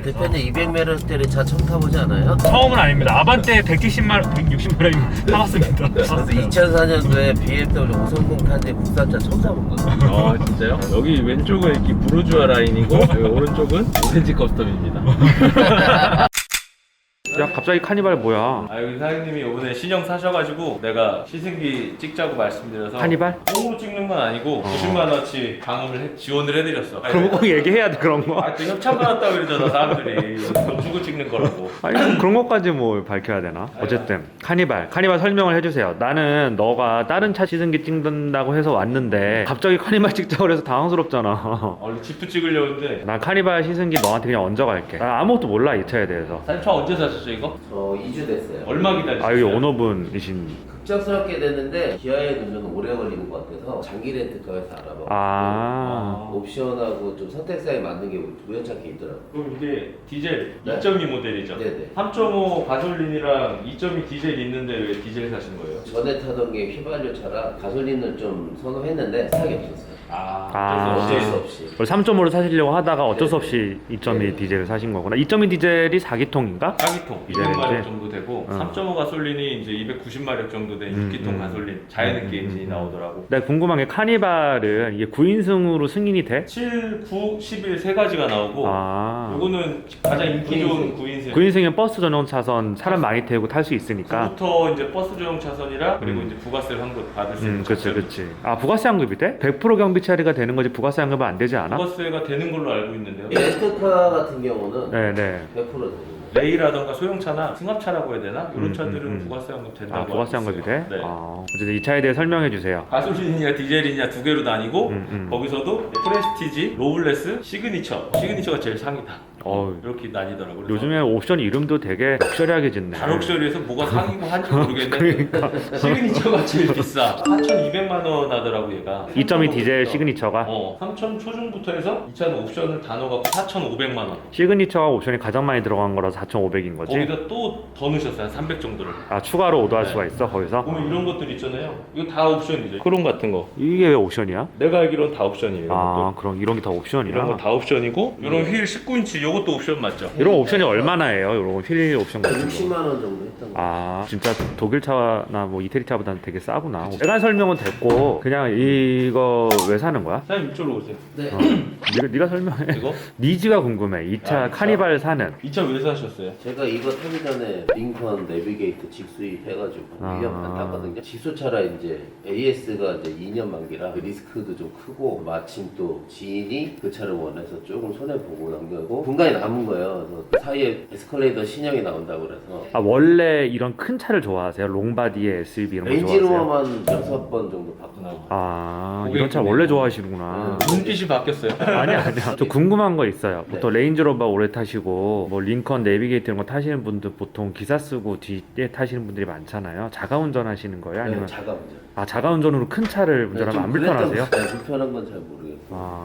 대표님 200m짜리 차 처음 타보지 않아요? 처음은 아닙니다. 아반떼 160마력 타봤습니다. 2004년도에 BMW 530 탄지 국산차 처음 타본 거예요. 진짜요? 여기 왼쪽은 이렇게 부르주아 라인이고 여기 오른쪽은 오렌지 커스텀입니다. 야 갑자기 카니발 뭐야? 여기 사장님이 이번에 신형 사셔가지고 내가 시승기 찍자고 말씀드려서 카니발? 뽕으로 찍는 건 아니고 90만 원치 방음을 지원을 해드렸어. 그럼 꼭 얘기해야 돼 그런 거. 또 협찬 받았다고 그러잖아 사람들이. 돈 주고 찍는 거라고. 아니 그럼 그런 것까지 뭐 밝혀야 되나? 어쨌든 카니발 설명을 해주세요. 나는 너가 다른 차 시승기 찍는다고 해서 왔는데 갑자기 카니발 찍자고 해서 당황스럽잖아. 원래 지프 찍으려고 했는데 난 카니발 시승기 너한테 그냥 얹어갈게. 나 아무것도 몰라 이 차에 대해서. 사장님 차 언제 사셨죠 이거? 저 2주 됐어요. 얼마 기다리셨어요? 아 여기 오너분이신. 급작스럽게 됐는데 기아에 넣으면 오래 걸리는 것 같아서 장기 렌트카에서 알아봐. 옵션하고 좀 선택사에 맞는 게 우연찮게 있더라고요. 그럼 이게 디젤 네. 2.2 모델이죠? 네네. 3.5 가솔린이랑 2.2 디젤 있는데 왜 디젤 사신 거예요? 전에 타던 게 휘발유차라 가솔린을 좀 선호했는데 스탁이 없었어요. 어쩔 수 없이. 어쩔 수 없이. 3.5로 사시려고 하다가 어쩔 수 네. 없이 2.2 네. 디젤을 사신 거구나. 2.2 디젤이 4기통인가? 4기통 디젤인지? 200마력 정도 되고 어. 3.5 가솔린이 이제 290마력 정도 된 6기통 가솔린 자연흡기 엔진이 나오더라고. 내가 궁금한 게 카니발은 이게 9인승으로 승인이 돼? 7, 9, 11 세 가지가 나오고 요거는 가장 인기 좋은 9인승. 9인승은 버스 전용 차선 사람 많이 태우고 탈 수 있으니까. 부터 이제 버스 전용 차선이라 그리고 이제 부가세 환급 받을 수 있는 그치 차선이. 그치. 아 부가세 환급이 돼? 100% 경비 처리가 되는 거지 부가세 환급은 안 되지 않아? 부가세가 되는 걸로 알고 있는데요. 렌트카 같은 경우는 네네. 100% 되는 거예요. 레이라던가 소형차나 승합차라고 해야 되나? 이런 차들은 부가세 환급 된다고 아 부가세 알고 환급이 있어요. 돼? 네. 어쨌든 이 차에 대해 설명해 주세요. 가솔린이냐 디젤이냐 두 개로 나뉘고 거기서도 프레스티지, 로블레스, 시그니처가 제일 상이다. 이렇게 나뉘더라고요. 그래서 요즘에 옵션 이름도 되게 럭셔리하게 짓네. 다럭셔리에서 뭐가 상이고 한지 모르겠는데 시그니처가 제일 비싸. 4,200만 원 하더라고 얘가. 2.2 디젤 시그니처가 3,000 초중부터 해서 이 차는 옵션을 다 넣어갖고 4,500만 원. 시그니처가 옵션이 가장 많이 들어간 거라서 4,500인 거지? 거기다 또 더 넣으셨어요. 한 300 정도를. 아 추가로 오더할 네. 수가 있어 거기서? 보면 이런 것들 있잖아요. 이거 다 옵션이죠. 크롬 같은 거. 이게 왜 옵션이야? 내가 알기로는 다 옵션이에요. 이런 그럼 이런 게 다 옵션이야? 거 다 옵션이고 이런 휠 19인치 이것도 옵션 맞죠? 이런 옵션이 얼마나 해요? 이런 휠 옵션 같은 거? 60만 원 정도 했던 거. 진짜 독일 차나 뭐 이태리 차보다는 되게 싸구나. 내가 설명은 됐고 그냥 이거 왜 사는 거야? 사장님 이쪽으로 오세요. 네. 네가 설명해. 이거? 니즈가 궁금해. 이 차 이 차? 카니발 사는. 이 차 왜 사셨어요? 제가 이거 타기 전에 링컨 내비게이터 직수입 해가지고 1년 반 탔거든요. 직수차라 이제 AS가 이제 2년 만기라 그 리스크도 좀 크고 마침 또 지인이 그 차를 원해서 조금 손해보고 남겨고 공간이 남은 거예요. 그래서 그 사이에 에스컬레이터 신형이 나온다고 그래서 원래 이런 큰 차를 좋아하세요? 롱바디에 SUV 이런 거 좋아하세요? 렌지로어만 6번 정도 바꾸나. 이런 차 원래 좋아하시구나. 눈빛이 바뀌었어요. 아니야. 저 궁금한 거 있어요. 보통 네. 레인지로버 오래 타시고 뭐 링컨 내비게이터 이런 거 타시는 분들 보통 기사 쓰고 뒤에 타시는 분들이 많잖아요. 자가 운전하시는 거예요? 아니면 자가 운전. 자가 운전으로 큰 차를 운전하면 안 불편하세요? 네, 불편한 건 잘 모르겠고.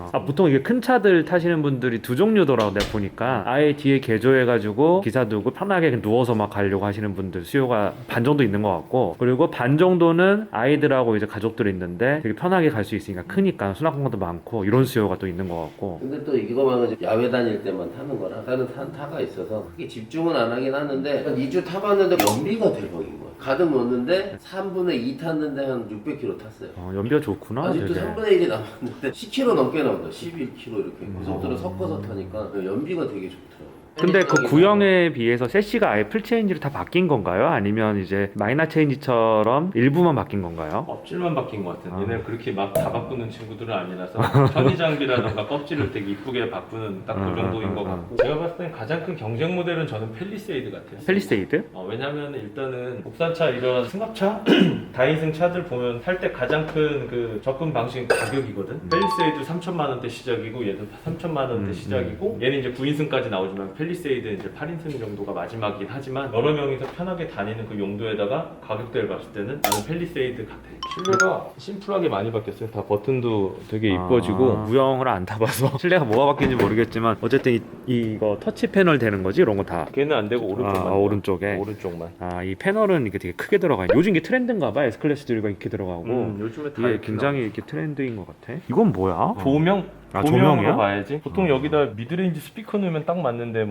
보통 이게 큰 차들 타시는 분들이 두 종류더라고 내가 보니까. 아예 뒤에 개조해가지고 기사 두고 편하게 그냥 누워서 막 가려고 하시는 분들 수요가 반 정도 있는 것 같고, 그리고 반 정도는 아이들하고 이제 가족들이 있는데 되게 편하게 갈 수 있으니까 크니까 수납 공간도 많고 이런 수요가 또 있는 것 같고. 근데 또 이거만은 야외 다닐 때만 타는 거라 다른 타가 있어서 크게 집중은 안 하긴 하는데 한 2주 타봤는데 연비가 대박인 거야. 가득 넣었는데 3분의 2 탔는데 한 600km 탔어요. 연비가 좋구나. 아직도 되게. 3분의 1이 남았는데 10km 넘게 나온다. 11km 이렇게 고속도로 섞어서 타니까 연비가 되게 좋더라고요. 근데 그 구형에 비해서 셰시가 아예 풀 체인지로 다 바뀐 건가요? 아니면 이제 마이너 체인지처럼 일부만 바뀐 건가요? 껍질만 바뀐 것 같은. 얘네 그렇게 막 다 바꾸는 친구들은 아니라서 편의 장비라던가 껍질을 되게 이쁘게 바꾸는 딱 그 정도인 것 같고, 제가 봤을 땐 가장 큰 경쟁 모델은 저는 펠리세이드 같아요. 펠리세이드? 왜냐면 일단은 국산차 이런 승합차 다인승 차들 보면 살 때 가장 큰 그 접근 방식은 가격이거든. 펠리세이드 3천만 원대 시작이고 얘도 3천만 원대 시작이고, 얘는 이제 9인승까지 나오지만 펠리세이드 이제 8인승 정도가 마지막이긴 하지만 여러 명이서 편하게 다니는 그 용도에다가 가격대를 봤을 때는 나는 펠리세이드 같아. 실내가 심플하게 많이 바뀌었어요. 다 버튼도 되게 이뻐지고. 구형을 안 타봐서 실내가 뭐가 바뀐지 모르겠지만 어쨌든 이거 터치 패널 되는 거지 이런 거 다. 걔는 안 되고 오른쪽만. 오른쪽에. 오른쪽만. 이 패널은 이게 되게 크게 들어가 있네. 요즘 이게 트렌드인가 봐. S클래스들과 이렇게 들어가고. 요즘에 다 이게 이렇게 굉장히 이렇게 트렌드인 것 같아. 이건 뭐야? 조명? 조명이야? 조명으로 봐야지. 보통 여기다 미드레인지 스피커 넣으면 딱 맞는데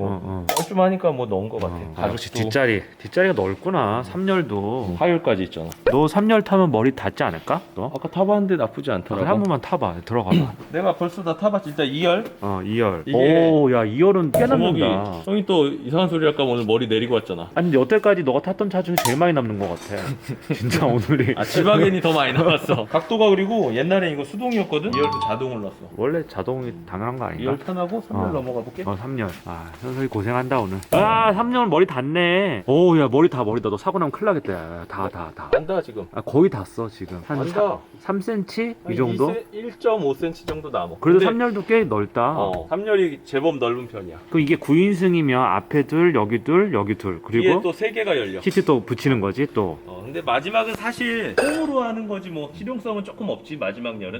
뭐 뻘쭘하니까 뭐 넣은 것 같아. 아, 역시 뒷자리가 넓구나. 3열도. 하율까지 있잖아. 너 3열 타면 머리 닿지 않을까? 너? 아까 타봤는데 나쁘지 않더라고. 한 번만 타봐. 들어가봐. 내가 벌써 다 타봤지. 일단 2열. 2열. 이게 오, 야 2열은 꽤 주먹이 남는다. 형이 또 이상한 소리 할까 봐 오늘 머리 내리고 왔잖아. 아니 근데 여태까지 너가 탔던 차 중에 제일 많이 남는 것 같아. 진짜 오늘이. 아 지바겐이 더 많이 나왔어. 각도가 그리고 옛날에 이거 수동이었거든. 2열도 자동으로 났어. 원래 자동이 당연한 거 아닌가? 2열 편하고 3열 넘어가 볼게. 3열. 아, 현석이 고생한다 오늘. 아, 3열 머리 닿네. 오, 야 머리다. 너 사고 나면 큰일 나겠다. 야, 다. 안다 지금. 아, 거의 닿았어 지금. 한 안다. 3cm 이 정도? 1.5cm 정도 남아. 그래도 근데 3열도 꽤 넓다. 3열이 제법 넓은 편이야. 그럼 이게 9인승이면 앞에 둘, 여기 둘, 여기 둘. 뒤에 그리고 또 3개가 열려. 시트 또 붙이는 거지 또. 근데 마지막은 사실 홈으로 하는 거지 뭐 실용성은 조금 없지 마지막 열은.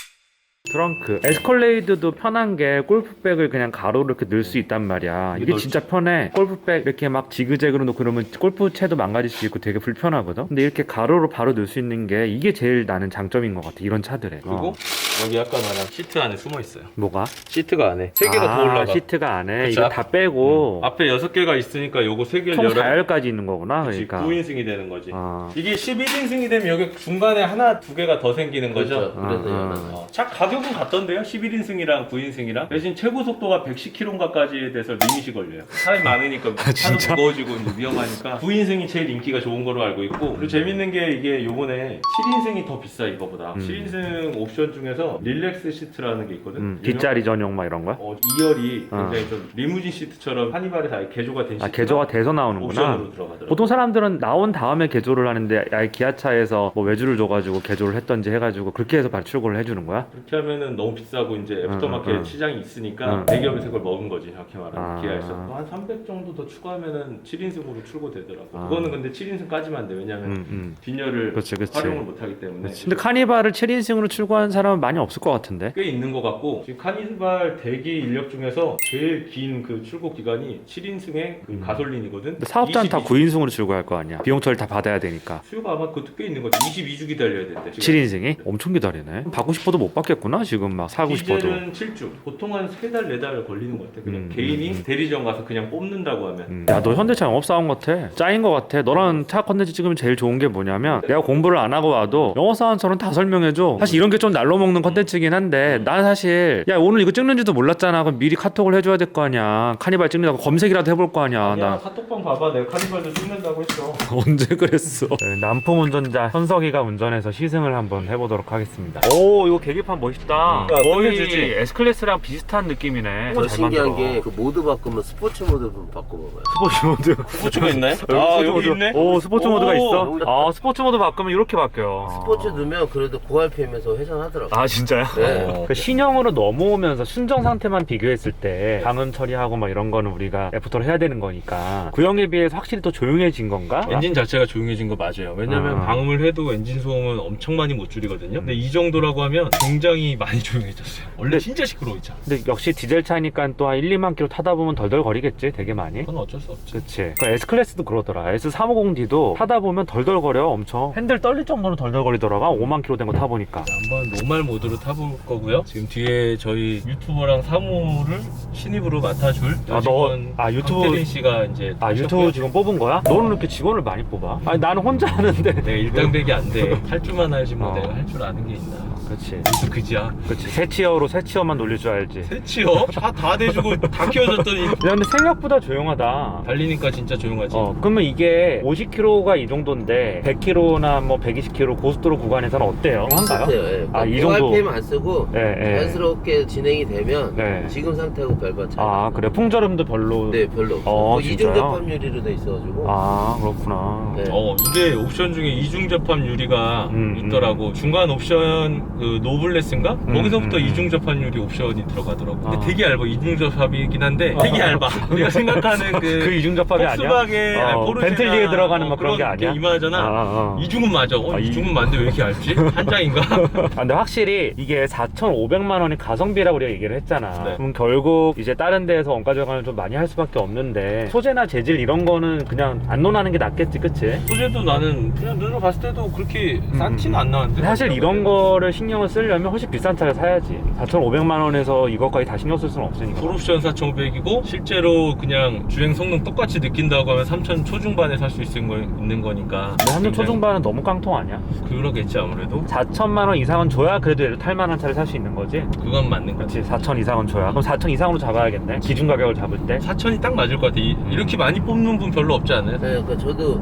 트렁크. 에스컬레이드도 편한 게 골프백을 그냥 가로로 이렇게 넣을 수 있단 말이야. 이게 진짜 편해. 골프백 이렇게 막 지그재그로 놓고 그러면 골프채도 망가질 수 있고 되게 불편하거든. 근데 이렇게 가로로 바로 넣을 수 있는 게 이게 제일 나는 장점인 것 같아. 이런 차들에. 그리고 여기 아까 말한 시트 안에 숨어 있어요. 뭐가? 시트가 안에 3개가 더 올라가. 시트가 안에 그쵸? 이거 다 빼고 앞에 6개가 있으니까 요거 3개를 총 열어. 4열까지 있는 거구나. 그러니까. 9인승이 되는 거지. 아. 이게 11인승이 되면 여기 중간에 하나, 2개가 더 생기는 거죠. 그렇죠. 그래서 아, 연한 차 가격은 같던데요? 11인승이랑 9인승이랑 대신 최고 속도가 110km까지 돼서 리밋이 걸려요. 사람이 많으니까 차도 무거워지고 이제 위험하니까 9인승이 제일 인기가 좋은 거로 알고 있고 그리고 재밌는 게 이게 요번에 7인승이 더 비싸 이거보다 7인승 옵션 중에서 릴렉스 시트라는 게 있거든. 뒷자리 전용 막 이런 거야? 2열이 굉장히 좀 리무진 시트처럼 하니발에서 아예 개조가 된 시트가 개조가 돼서 나오는구나. 옵션으로 들어가더라고. 보통 사람들은 나온 다음에 개조를 하는데 아예 기아차에서 뭐 외주를 줘가지고 개조를 했던지 해가지고 그렇게 해서 발출고를 해주는 거야? 그렇게 하면은 너무 비싸고 이제 애프터마켓 시장이 있으니까 대기업에서 그걸 먹은 거지 정확히 말하면 기아에서 또 한 300 정도 더 추가하면은 7인승으로 출고되더라고. 그거는 근데 7인승까지만 안 돼. 왜냐면 뒷열을 그치. 활용을 못하기 때문에. 근데 카니발을 7인승으로 출고하는 사람은 많이 없을 것 같은데. 꽤 있는 것 같고 지금 카니발 대기 인력 중에서 제일 긴 그 출고 기간이 7인승의 그 가솔린이거든. 근데 사업자는 다 9인승으로 출고할 거 아니야. 비용 처리 다 받아야 되니까. 수요가 아마 그것도 꽤 있는 거지. 22주 기다려야 된대. 7인승이? 엄청 기다리네. 받고 싶어도 못 받겠구나 지금 막 사고 싶어도. 디젤은 7주. 보통 한 3달 4달 걸리는 것 같아. 그냥 개인이 대리점 가서 그냥 뽑는다고 하면. 야, 너 현대차 영업사원 같아. 짱인 것 같아. 너랑 차 컨텐츠 찍으면 제일 좋은 게 뭐냐면 내가 공부를 안 하고 와도 영업사원처럼 다 설명해줘. 사실 이런 게 좀 날로 먹는 컨텐츠긴 한데 난 사실 야 오늘 이거 찍는지도 몰랐잖아. 그럼 미리 카톡을 해줘야 될 거 아니야. 카니발 찍는다고 검색이라도 해볼 거 아니야. 야 카톡방 봐봐. 내가 카니발도 찍는다고 했어. 언제 그랬어? 네, 남풍 운전자 현석이가 운전해서 시승을 한번 해보도록 하겠습니다. 오 이거 계기판 멋있다. 거의 S클래스랑 비슷한 느낌이네. 더 신기한 게 그 모드 바꾸면 스포츠 모드 좀 바꿔봐봐요. 스포츠 모드. 스포츠가 있나요? 스포츠 여기 모드. 있네. 오 스포츠 모드가 있어? 여기. 아 스포츠 모드 바꾸면 이렇게 바뀌어. 스포츠 넣으면 그래도 고RPM에서 회전하더라고. 아 진짜요? 네. 그 신형으로 넘어오면서 순정 상태만 비교했을 때 방음 처리하고 막 이런 거는 우리가 애프터를 해야 되는 거니까 구형에 비해서 확실히 더 조용해진 건가? 엔진 자체가 조용해진 거 맞아요. 왜냐면 방음을 해도 엔진 소음은 엄청 많이 못 줄이거든요. 근데 이 정도라고 하면 굉장히 많이 조용해졌어요. 원래 진짜 시끄러워있잖아. 근데 역시 디젤 차니까 또 한 1, 2만 킬로 타다 보면 덜덜 거리겠지 되게 많이. 그건 어쩔 수 없지. 그치. 그 S클래스도 그러더라. S350D도 타다 보면 덜덜 거려 엄청. 핸들 떨릴 정도로 덜덜 거리더라고. 5만 킬로 된 거 타보니까. 한번 노말 모드로 타볼 거고요. 지금 뒤에 저희 유튜버랑 사무를 신입으로 맡아줄 유튜브 황태린 씨가 이제 유튜브 지금 뽑은 거야? 너는 이렇게 직원을 많이 뽑아? 아니 나는 혼자 하는데. 내가 일당백이 안 돼. 할 줄만 알지 뭐 내가 할 줄 아는 게 있나. 그렇지. 무슨 그지야. 그렇지. 새 티어로 새 티어만 놀릴 줄 알지. 새치요? 다 대주고 다 키워줬더니 야 근데 생각보다 조용하다. 달리니까 진짜 조용하지. 그러면 이게 50km가 이 정도인데 100km나 뭐 120km 고속도로 구간에서는 어때요? 한가요? 예. 이 정도. 고RPM 안 쓰고 예. 자연스럽게 진행이 되면 네. 지금 상태하고 별반 차이. 아 그래 풍절음도 별로. 네, 별로 없어. 이중 진짜요? 접합률이로 돼 있어가지고. 아 그렇구나. 네. 이게 옵션 중에 이중 접합 유리가 있더라고. 중간 옵션 그 노블레스인가? 거기서부터 이중 접합 유리 옵션이 들어가더라고. 근데 되게 얇아. 이중 접합이긴 한데 되게 얇아. 우리가 생각하는 그 이중 접합이 아니야? 폭스바겐, 포르쉐나 벤틀리에 들어가는 막 그런 게 아니야? 이만하잖아. 이중은 맞아. 이중은 맞는데 왜 이렇게 얇지? 한 장인가? 근데 확실히 이게 4,500만 원이 가성비라고 우리가 얘기를 했잖아. 네. 그럼 결국 이제 다른 데에서 원가 절감을 좀 많이 할 수밖에 없는데 소재나 재질 이런 거는 그냥 안 논하는 게 낫겠지, 그치? 소재도 나는 그냥 눈으로 봤을 때도 그렇게 싼 티는 안 나는데. 사실 이런 거를 신경 신경을 쓰려면 훨씬 비싼 차를 사야지. 4,500만 원에서 이것까지 다 신경 쓸 수는 없으니까. 풀옵션 4,500이고 실제로 그냥 주행 성능 똑같이 느낀다고 하면 3,000 초중반에 살 수 있는 거니까. 근데 한전 굉장히 초중반은 너무 깡통 아니야? 그러겠지 아무래도. 4천만 원 이상은 줘야 그래도 얘를 탈만한 차를 살 수 있는 거지. 그건 맞는 거지. 그렇지. 4천 이상은 줘야. 그럼 4천 이상으로 잡아야겠네. 기준 가격을 잡을 때. 4,000이 딱 맞을 것 같아. 이렇게 많이 뽑는 분 별로 없지 않아요? 네, 그러니까 저도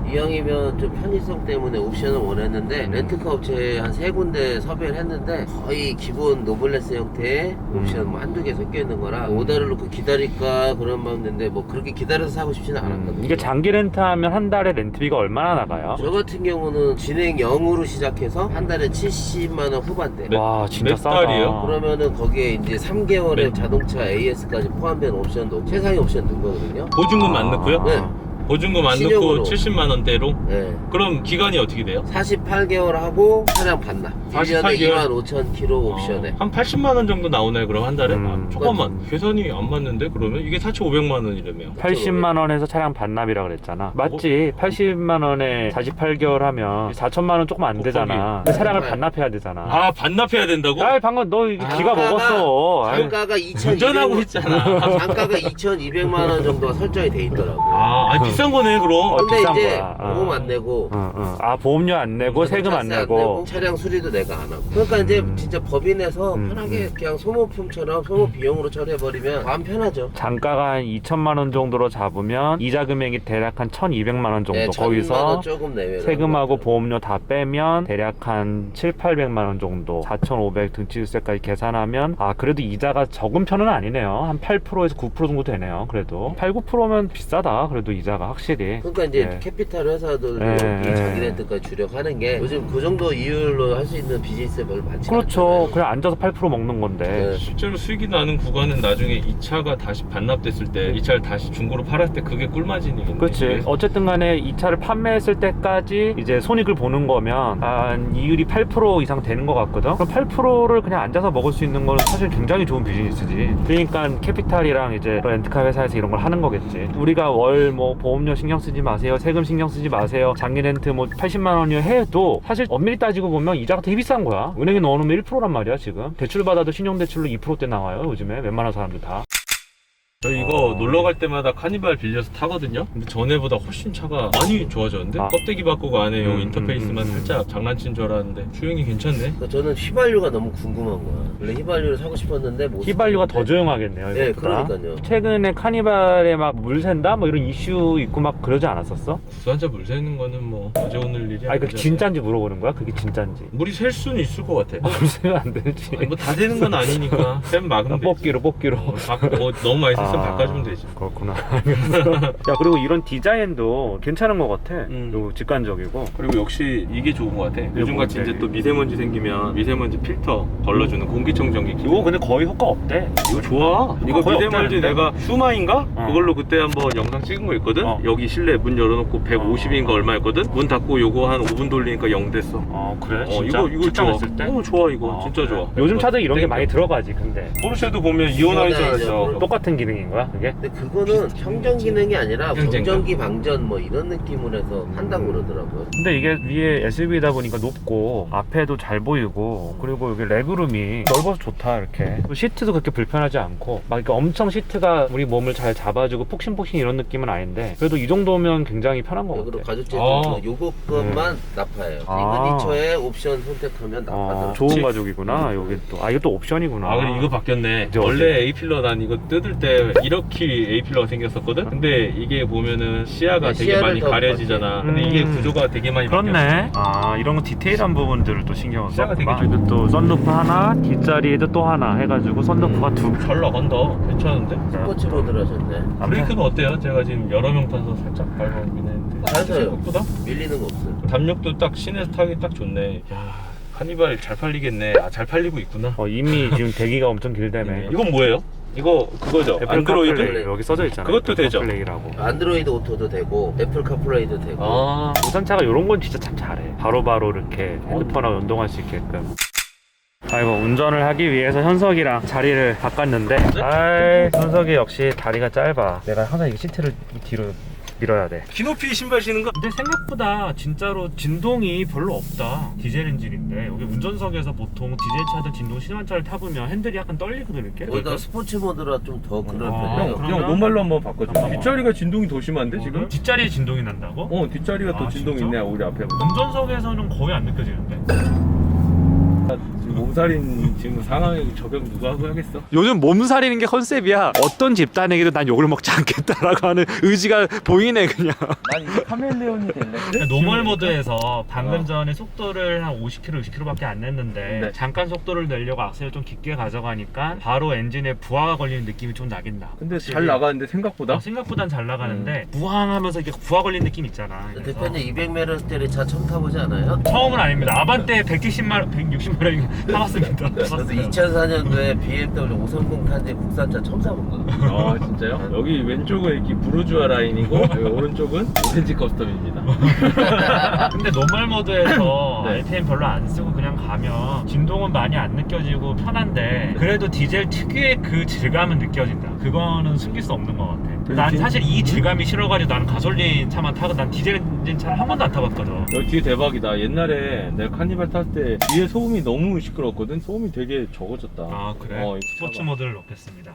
이왕이면 좀 편의성 때문에 옵션을 원했는데 렌트카 업체에 한 3군데 섭외를 했는데 거의 기본 노블레스 형태의 옵션 뭐 한두 개 섞여 있는 거라 오다를 놓고 기다릴까 그런 마음인데 뭐 그렇게 기다려서 사고 싶지는 않았거든요. 이게 장기 렌트하면 한 달에 렌트비가 얼마나 나가요? 저 같은 경우는 진행 0으로 시작해서 한 달에 70만 원 후반대. 와 진짜 몇 싸다. 달이에요? 그러면은 거기에 이제 3개월의 자동차 AS까지 포함된 옵션도 최상위 옵션 넣은 거거든요. 보증금 안 넣고요? 네. 보증금 안 신용으로. 넣고 70만 원대로? 네. 그럼 기간이 어떻게 돼요? 48개월 하고 차량 반납. 48 1년에 개월? 25,000km 옵션에. 한 80만 원 정도 나오나요 그럼 한 달에? 음. 잠깐만 계산이 안 맞는데 그러면? 이게 4,500만 원이라며 80만 원에서 차량 반납이라 그랬잖아. 맞지? 80만 원에 48개월 하면 4천만 원 조금 안 되잖아. 근데 차량을 반납해야 되잖아. 아 반납해야 된다고? 아 방금 너 이게 기가 먹었어. 아이, 단가가 2,200만 운전하고 있잖아. 단가가 2,200만 원 정도가 설정이 돼 있더라고. 아니 비싼 거네 그럼. 근데 비싼 이제 거야. 보험 안 내고 아 보험료 안 내고 세금 안 자세 내고. 차량 수리도 내가 안 하고. 그러니까 이제 진짜 법인에서 편하게 그냥 소모품처럼 소모 비용으로 처리해버리면 마음 편하죠. 단가가 한 2천만 원 정도로 잡으면 이자 금액이 대략 한 1,200만 원 정도. 네, 1,000만 거기서 원 조금 내외로. 세금하고 보험료 다 빼면 대략 한 7,800만 원 정도, 4,500 등치세까지 계산하면 아 그래도 이자가 적은 편은 아니네요. 한 8%에서 9% 정도 되네요. 그래도 8, 9%면 비싸다. 그래도 이자가 확실히. 그러니까 이제 네. 캐피탈 회사들도 네, 이 네. 자기 렌트까지 주력하는 게 요즘 그 정도 이율로 할 수 있는 비즈니스가 별로 많지 그렇죠. 않잖아요. 그냥 앉아서 8% 먹는 건데. 네. 실제로 수익이 나는 구간은 나중에 이 차가 다시 반납됐을 때 이 차를 다시 중고로 팔았을 때 그게 꿀마진이겠네. 그렇지. 어쨌든 간에 이 차를 판매했을 때까지 이제 손익을 보는 거면 한 이율이 8% 이상 되는 것 같거든. 그럼 8%를 그냥 앉아서 먹을 수 있는 거는 사실 굉장히 좋은 비즈니스지. 그러니까 캐피탈이랑 이제 렌트카 회사에서 이런 걸 하는 거겠지. 우리가 월 뭐 보험료 신경 쓰지 마세요, 세금 신경 쓰지 마세요, 장기 렌트 뭐 80만 원이요 해도 사실 엄밀히 따지고 보면 이자가 되게 비싼 거야. 은행에 넣어놓으면 1%란 말이야 지금. 대출 받아도 신용대출로 2%대 나와요 요즘에 웬만한 사람들 다. 저 이거 놀러 갈 때마다 카니발 빌려서 타거든요. 근데 전에보다 훨씬 차가 많이 좋아졌는데 껍데기 바꾸고 안에 요 인터페이스만 살짝 장난친 줄 알았는데 주행이 괜찮네. 그러니까 저는 휘발유가 너무 궁금한 거야. 원래 휘발유를 사고 싶었는데 못 휘발유가 샀는데. 더 조용하겠네요. 네, 이것보다. 그러니까요. 최근에 카니발에 막 물 샌다 뭐 이런 이슈 있고 막 그러지 않았었어? 구산차 물 새는 거는 뭐 어제 오늘 일이 아니 그 아니잖아요. 진짠지 물어보는 거야? 그게 진짠지. 물이 셀 수는 있을 것 같아. 물 새면 안 되지. 뭐 다 되는 건 아니니까 쌤 막으면 되지. 뽑기로. 뭐 너무 많이 썼으면 바꿔주면 되지. 그렇구나. 야 그리고 이런 디자인도 괜찮은 것 같아. 음. 그리고 직관적이고. 그리고 역시 이게 좋은 것 같아. 요즘같이 뭔데? 이제 또 미세먼지 생기면 미세먼지 필터 걸러주는 공기청정기. 이거 근데 거의 효과 없대. 이거 좋아. 이거 거의 미세먼지 없다는데? 내가 슈마인가? 어. 그걸로 그때 한번 영상 찍은 거 있거든? 여기 실내 문 열어놓고 150인가 얼마였거든? 문 닫고 요거 한 5분 돌리니까 0 됐어. 그래? 진짜? 이거 좋아. 출장했을 때? 좋아 이거. 진짜 그래. 좋아. 요즘 차들 이런 게 땡겨. 많이 들어가지 근데. 포르쉐도 보면 이온하이저에서 똑같은 기능인 거야 그게? 근데 그거는 평정 기능이 아니라 평정인가? 정전기 방전 뭐 이런 느낌으로 해서 한다고 그러더라고요. 근데 이게 위에 SUV다 보니까 높고 앞에도 잘 보이고 그리고 여기 레그룸이 넓어서 좋다 이렇게. 또 시트도 그렇게 불편하지 않고 막 이렇게 엄청 시트가 우리 몸을 잘 잡아주고 폭신폭신 이런 느낌은 아닌데 그래도 이 정도면 굉장히 편한 것 그리고 같아. 가죽 아. 제품 요거 것만 납파해요. 아. 시그니처에 옵션 선택하면 납파더라고요. 좋은 가죽이구나. 여기 또 이거 또 옵션이구나. 아 그래 이거 바뀌었네. 이제 원래 어디? A필러 난 이거 뜯을 때 이렇게 A필러가 생겼었거든? 근데 이게 보면은 시야가 네, 되게 시야를 많이 더 가려지잖아. 근데 이게 구조가 되게 많이 그렇네. 이런 거 디테일한 부분들을 또 신경을 시야가 되게 썼구나. 여기 또 썬루프 하나, 뒷자리에도 또 하나 해가지고 썬루프가 두 개. 잘 나간다. 괜찮은데? 스포츠 모드를 하셨네. 브레이크는 어때요? 제가 지금 여러 명 타서 살짝 밟아보긴 했는데 잘 타요. 생각보다 밀리는 거 없어요. 담력도 딱 시내에서 타기 딱 좋네. 야 카니발 잘 팔리겠네. 잘 팔리고 있구나. 이미 지금 대기가 엄청 길다며. 이건 뭐예요? 이거 그거죠? 애플 안드로이드? 카플레이 여기 써져 있잖아. 그것도 되죠? 카플레이라고. 안드로이드 오토도 되고 애플 카플레이도 되고. 아 우산차가 이런 건 진짜 참 잘해. 바로바로 이렇게 핸드폰하고 연동할 수 있게끔. 아이고 운전을 하기 위해서 현석이랑 자리를 바꿨는데 현석이 역시 다리가 짧아. 내가 항상 이 시트를 이 뒤로 밀어야 돼. 키높이 신발 신는 거? 근데 생각보다 진짜로 진동이 별로 없다. 디젤 엔진인데 여기 운전석에서 보통 디젤 차들 진동 심한 차를 타보면 핸들이 약간 떨리거든 이렇게. 거기다 스포츠 모드라 좀 더 그럴 아, 편이에요. 그럼- 그냥 노말로 한번 바꿔줘. 한번 뒷자리가 진동이 더 심한데 지금? 뒷자리에 진동이 난다고? 뒷자리가 더 아, 진동이 진짜? 있네 우리 앞에. 운전석에서는 거의 안 느껴지는데. 지금 몸살인 지금 상황에 적용 누가 하고 하겠어? 요즘 몸살이는 게 컨셉이야. 어떤 집단에게도 난 욕을 먹지 않겠다라고 하는 의지가 보이네 그냥. 난 이제 카멜레온이 될래. 노멀 모드에서 방금 전에 속도를 한 50km, 60km밖에 안 냈는데 네. 잠깐 속도를 내려고 악셀을 좀 깊게 가져가니까 바로 엔진에 부하가 걸리는 느낌이 좀 나긴 나. 근데 확실히. 잘 나가는데 생각보다? 생각보단 잘 나가는데 부항하면서 이게 부하 걸린 느낌 있잖아. 그래서 대표님 200m짜리 차 처음 타보지 않아요? 처음은 아닙니다. 아반떼 170만 160만원 타봤습니다. 저도 2004년도에 BMW 530 탄 뒤에 국산차 처음 사본 거예요. 아 진짜요? 여기 왼쪽은 이렇게 부르주아 라인이고 여기 오른쪽은 오렌지 커스텀입니다. 근데 노멀 모드에서 네. RPM 별로 안 쓰고 그냥 가면 진동은 많이 안 느껴지고 편한데 그래도 디젤 특유의 그 질감은 느껴진다. 그거는 숨길 수 없는 것 같아. 난 사실 이 질감이 싫어가지고 나는 가솔린 차만 타고 난 디젤 엔진 차를 한 번도 안 타봤거든. 여기 뒤에 대박이다. 옛날에 내가 카니발 탔을 때 뒤에 소음이 너무 시끄러웠거든. 소음이 되게 적어졌다. 아 그래? 이거 스포츠 차가. 모드를 넣겠습니다.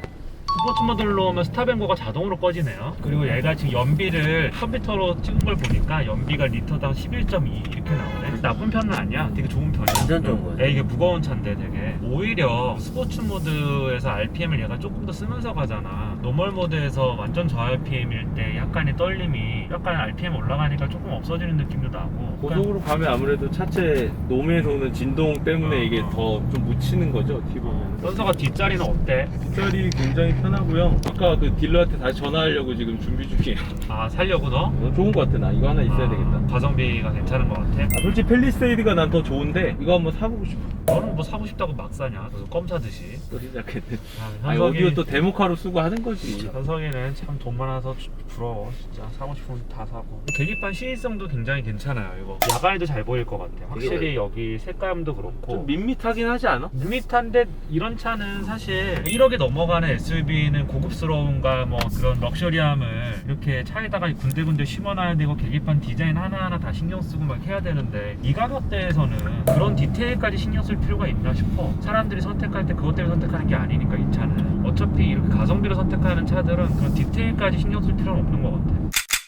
스포츠 모드를 넣으면 스탑앤고가 자동으로 꺼지네요. 그리고 얘가 지금 연비를 컴퓨터로 찍은 걸 보니까 연비가 리터당 11.2 이렇게 나오네. 나쁜 편은 아니야. 되게 좋은 편이야. 완전 좋은 거예요. 야, 이게 무거운 차인데 되게 오히려 스포츠 모드에서 RPM을 얘가 조금 더 쓰면서 가잖아. 노멀 모드에서 완전 저 RPM일 때 약간의 떨림이 약간 RPM 올라가니까 조금 없어지는 느낌도 나고. 고속으로 가면 아무래도 차체 노면에서 오는 진동 때문에 이게 더 좀 묻히는 거죠. 어떻게 보면. 선서가 뒷자리는 어때? 뒷자리 굉장히 편하고요. 아까 그 딜러한테 다시 전화하려고 지금 준비 중이에요. 아 살려고 너? 좋은 것 같아. 나 이거 하나 있어야 되겠다. 가성비가 괜찮은 것 같아. 솔직히 펠리세이드가 난 더 좋은데 이거 한번 사보고 싶어. 너는 뭐 사고 싶다고 막 사냐? 그래서 껌 사듯이. 또 시작했네. 아, 아니 오디오 또 데모카로 쓰고 하는 거지. 현석이는 참 돈 많아서 부러워. 진짜 사고 싶으면 다 사고. 계기판 시인성도 굉장히 괜찮아요. 이거 야간에도 잘 보일 것 같아. 확실히 여기 색감도 그렇고. 좀 밋밋하긴 하지 않아? 밋밋한데 이런 차는 사실 1억에 넘어가는 SUV는 고급스러움과 뭐 그런 럭셔리함을 이렇게 차에다가 군데군데 심어놔야 되고 계기판 디자인 하나하나 다 신경 쓰고 막 해야 되는데 이 가격대에서는 그런 디테일까지 신경 쓸 필요가 있나 싶어. 사람들이 선택할 때 그것 때문에 선택하는 게 아니니까 이 차는 어차피 이렇게 가성비로 선택하는 차들은 그런 디테일까지 신경 쓸 필요는 없는 것 같아.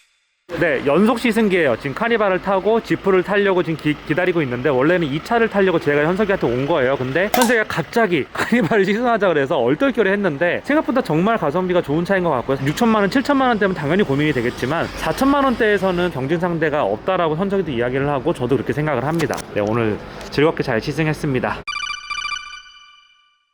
네, 연속 시승기예요. 지금 카니발을 타고 지프를 타려고 지금 기다리고 있는데 원래는 이 차를 타려고 제가 현석이한테 온 거예요. 근데 현석이가 갑자기 카니발을 시승하자 그래서 얼떨결에 했는데 생각보다 정말 가성비가 좋은 차인 것 같고요. 6천만 원, 7천만 원대면 당연히 고민이 되겠지만 4천만 원대에서는 경쟁 상대가 없다라고 현석이도 이야기를 하고 저도 그렇게 생각을 합니다. 네, 오늘 즐겁게 잘 시승했습니다.